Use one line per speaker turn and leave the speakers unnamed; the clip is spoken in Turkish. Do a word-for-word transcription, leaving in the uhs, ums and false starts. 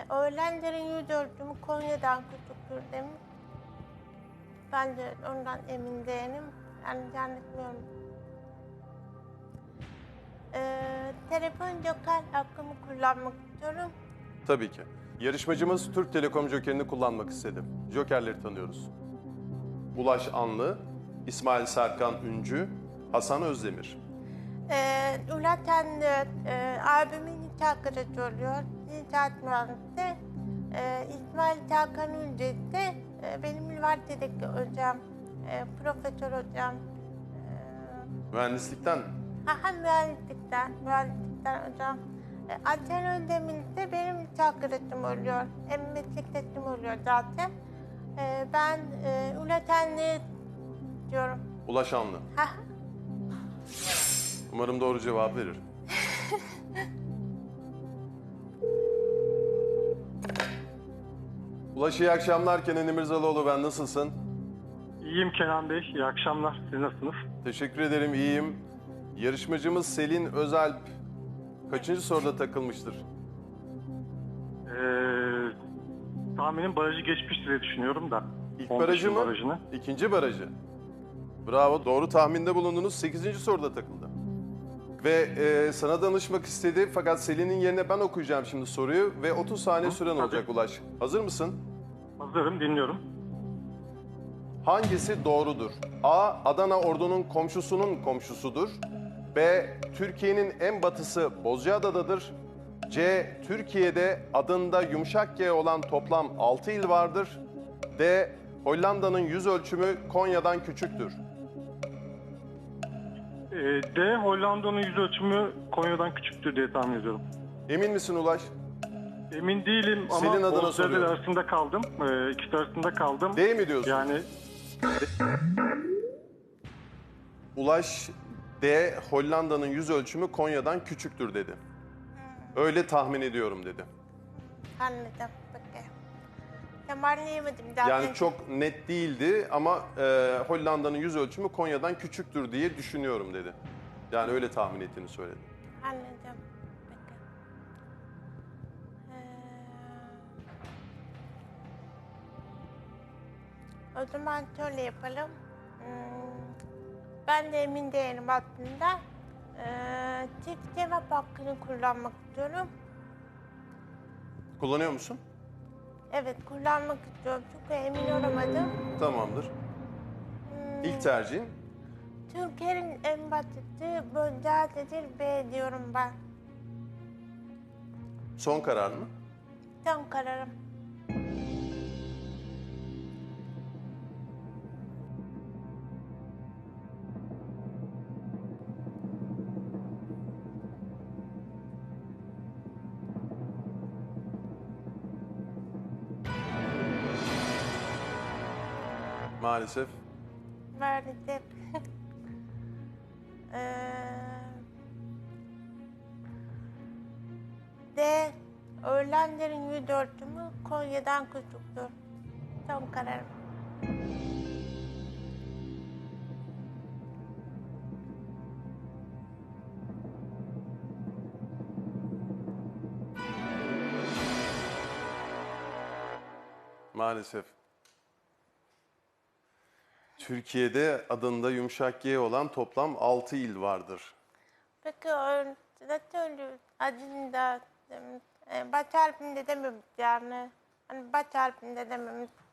öğrencilerin yüz ölçümü Konya'dan küçüktür demiş. Ben de ondan emin değilim. Yani zannetmiyorum. Ee, telefon joker hakkımı kullanmak istiyorum.
Tabii ki. Yarışmacımız Türk Telekom Joker'ini kullanmak istedi. Jokerleri tanıyoruz. Ulaş Anlı, İsmail Serkan Üncü, Hasan Özdemir.
Ee, Ulaten e, abimin nikah kırıcı oluyor. İnşaat mühendisi. Ee, İsmail Serkan Üncü ise e, benim üniversitedeki hocam, e, profesör hocam.
Mühendislikten
Aha mühendislikten, mühendislikten hocam. E, Hasan Özdemir ise benim nikah kırıcım oluyor. Hem meslektaşım oluyor zaten. E, ben e, Ulatenli diyorum.
Ulaş Anlı.
Ha,
Umarım doğru cevap verir. Ulaş iyi akşamlar. Kenan İmirzalıoğlu ben. Nasılsın?
İyiyim Kenan Bey, iyi akşamlar. Siz nasılsınız?
Teşekkür ederim, iyiyim. Yarışmacımız Selin Özalp kaçıncı soruda takılmıştır?
Ee, tahminim barajı geçmiştir diye düşünüyorum da.
İlk
on
barajı
beşin
mı?
Barajını.
İkinci barajı. Bravo, doğru tahminde bulundunuz. Sekizinci soruda takıldı. Ve e, sana danışmak istedi fakat Selin'in yerine ben okuyacağım şimdi soruyu ve otuz saniye
Hı,
süren
tabii.
olacak Ulaş. Hazır mısın?
Hazırım, dinliyorum.
Hangisi doğrudur? A. Adana ordunun komşusunun komşusudur. B. Türkiye'nin en batısı Bozcaada'dadır. C. Türkiye'de adında yumuşak G olan toplam altı il vardır. D. Hollanda'nın yüz ölçümü Konya'dan küçüktür.
Ee, D. Hollanda'nın yüz ölçümü Konya'dan küçüktür diye tahmin ediyorum.
Emin misin Ulaş?
Emin değilim ama
Selin adına
Bozcaada
soruyorum.
arasında kaldım. Ee, ikisi arasında kaldım.
D mi diyorsun?
Yani
Ulaş D. Hollanda'nın yüz ölçümü Konya'dan küçüktür dedi. Öyle tahmin ediyorum dedi.
anladım. Peki. Tam anlayamadım zaten.
Yani çok net değildi ama e, Hollanda'nın yüz ölçümü Konya'dan küçüktür diye düşünüyorum dedi. Yani öyle tahmin ettiğini söyledi.
Anladım. Peki. Ee, o zaman şöyle yapalım. Hmm, ben de emin değilim aslında. Ee, çift cevap hakkını kullanmak istiyorum.
Kullanıyor musun?
Evet, kullanmak istiyorum çünkü emin olamadım.
Tamamdır.
Hmm,
İlk tercihin
Türkiye'nin en basiti Bozcaada'dır B diyorum ben.
son karar mı?
Son kararım.
Maalesef.
Maalesef. Ee, D. Öğrencilerin yüz ölçümü Konya'dan küçüktür. Son kararım.
Maalesef. Türkiye'de adında yumuşak G olan toplam altı il vardır.
Peki o nasıl oluyor? Adını da e, baş harfinde dememiş yani. Hani baş harfinde dememiş.